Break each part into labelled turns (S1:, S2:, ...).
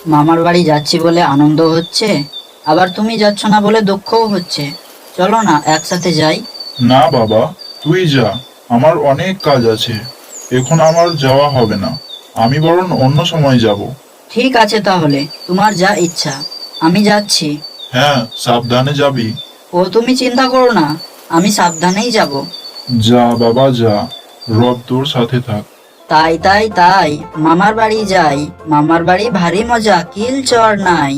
S1: মামার বাড়ি যাচ্ছি বলে আনন্দ হচ্ছে, আবার তুমি যাচ্ছ না বলে দুঃখও হচ্ছে। চলো না একসাথে যাই।
S2: না বাবা, তুই যা, আমার অনেক কাজ আছে, এখন আমার যাওয়া হবে না। আমি বরং অন্য সময় যাব।
S1: ঠিক আছে তাহলে, তোমার যা ইচ্ছা, আমি যাচ্ছি।
S2: হ্যাঁ, সাবধানে যাবি।
S1: ও তুমি চিন্তা করো না, আমি সাবধানেই যাব।
S2: যা বাবা যা, রব তোর সাথে থাক।
S1: তাই তাই তাই, মামার বাড়ি যাই, মামার বাড়ি ভারী মজা, কিল চর নাই।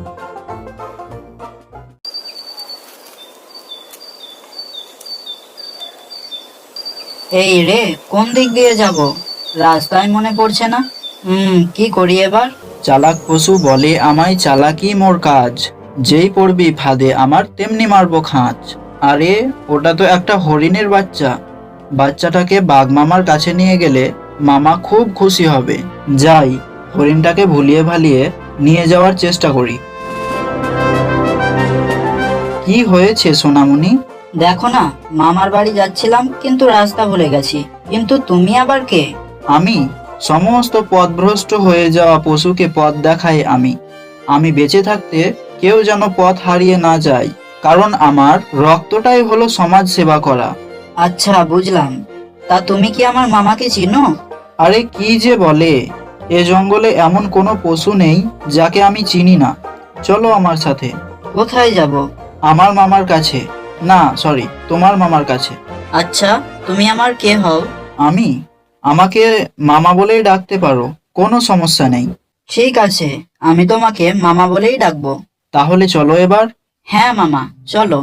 S1: এই রে, কোন দিক দিয়ে যাব? রাস্তায় মনে পড়ছে না। কি করি এবার?
S3: চালাক পশু বলে আমায় চালাকি মোর কাজ, যেই পড়বি ফাঁদে আমার তেমনি মারবো খাঁচ। আরে ওটা তো একটা হরিণের বাচ্চা। বাচ্চাটাকে বাঘ মামার কাছে নিয়ে গেলে মামা খুব খুশি হবে। যাই, হরিণটাকে ভুলিয়ে ভালিয়ে নিয়ে যাওয়ার চেষ্টা করি। কি হয়েছে সোনামণি?
S1: দেখো না, মামার বাড়ি যাচ্ছিলাম কিন্তু রাস্তা ভুলে গেছি। কিন্তু তুমি আবার কে?
S3: আমি সমস্ত পথভ্রষ্ট হয়ে যাওয়া পশুকে পথ দেখাই আমি। আমি বেঁচে থাকতে কেউ যেন পথ হারিয়ে না যায়, কারণ আমার রক্তটাই হলো সমাজ সেবা করা।
S1: আচ্ছা বুঝলাম। তা তুমি কি আমার মামাকে চিনো?
S3: আরে কি যে বলে, এ জঙ্গলে এমন কোনো পশু নেই যাকে আমি চিনি না। চলো আমার সাথে।
S1: কোথায় যাব?
S3: আমার মামার কাছে। না সরি, তোমার মামার কাছে।
S1: আচ্ছা, তুমি আমার কে হও?
S3: আমি আমাকে মামা বলেই ডাকতে পারো, কোনো সমস্যা নেই।
S1: ঠিক আছে, আমি তোমাকে মামা বলেই ডাকবো।
S3: তাহলে চলো এবার।
S1: হ্যাঁ মামা, চলো।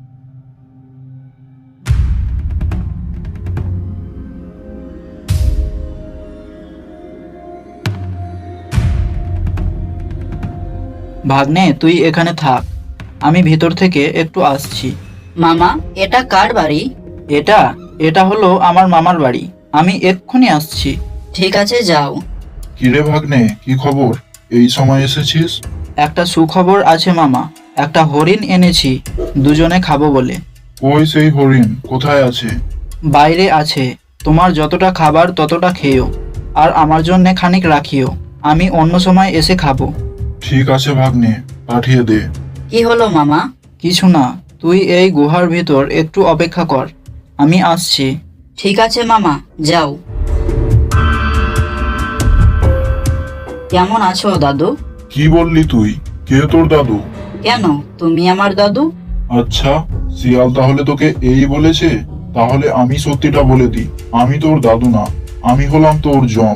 S3: ভাগ্নে তুই এখানে থাক, আমি ভিতর থেকে একটু আসছি।
S1: মামা, এটা কার বাড়ি?
S3: এটা এটা হলো আমার মামার বাড়ি, আমি এক্ষুনি আসছি।
S1: ঠিক আছে, যাও।
S2: কিরে ভাগ্নে, কি খবর? এই সময় এসেছিস?
S3: একটা সুখবর আছে মামা, একটা হরিণ এনেছি, দুজনে খাবো বলে।
S2: ওই সেই হরিণ কোথায় আছে?
S3: বাইরে আছে, তোমার যতটা খাবার ততটা খেয়েও, আর আমার জন্য খানিক রাখিও, আমি অন্য সময় এসে খাবো।
S2: ঠিক আছে ভাগ্নে, পাঠিয়ে দে।
S1: কি হলো মামা?
S3: কিছু না, তুই এই গুহার ভিতর একটু অপেক্ষা কর, আমি আসছি।
S1: ঠিক আছে মামা, যাও। কেমন আছো দাদু?
S2: কি বললি তুই? কে তোর দাদু?
S1: কেন, তুমি আমার দাদু।
S2: আচ্ছা, শিয়াল তাহলে তোকে এই বলেছে? তাহলে আমি সত্যিটা বলে দিই, আমি তোর দাদু না, আমি হলাম তোর জম।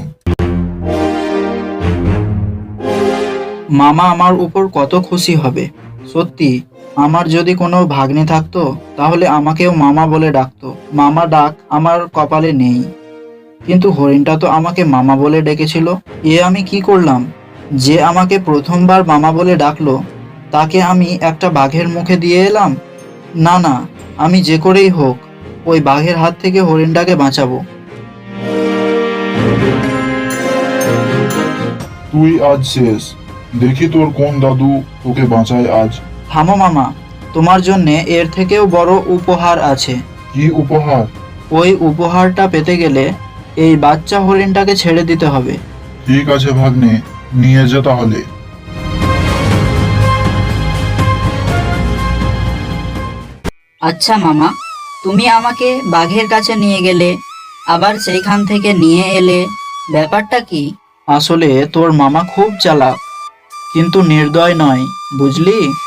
S3: মামা আমার উপর কত খুশি হবে। সত্যি, আমার যদি কোনো ভাগ্নে থাকতো তাহলে আমাকেও মামা বলে ডাকতো। মামা ডাক আমার কপালে নেই, কিন্তু হরিণটা তো আমাকে মামা বলে ডেকেছিল। এ আমি কি করলাম? যে আমাকে প্রথমবার মামা বলে ডাকলো তাকে আমি একটা বাঘের মুখে দিয়ে এলাম। না না, আমি যে করেই হোক ওই বাঘের হাত থেকে হরিণটাকে বাঁচাবো।
S2: তুই আজ শেষ, দেখি তোর কোন দাদু তোকে বাঁচায় আজ।
S3: থামো মামা, তোমার জন্যে এর থেকেও বড় উপহার আছে।
S2: কি উপহার?
S3: ওই উপহারটা পেতে গেলে এই বাচ্চা হরিণটাকে ছেড়ে দিতে হবে।
S2: ঠিক আছে ভাগ্নে, নিয়ে যা তাহলে।
S1: আচ্ছা মামা, তুমি আমাকে বাঘের কাছে নিয়ে গেলে, আবার সেইখান থেকে নিয়ে এলে, ব্যাপারটা কি?
S3: আসলে তোর মামা খুব চালাক, কিন্তু নির্দয় নয়, বুঝলি?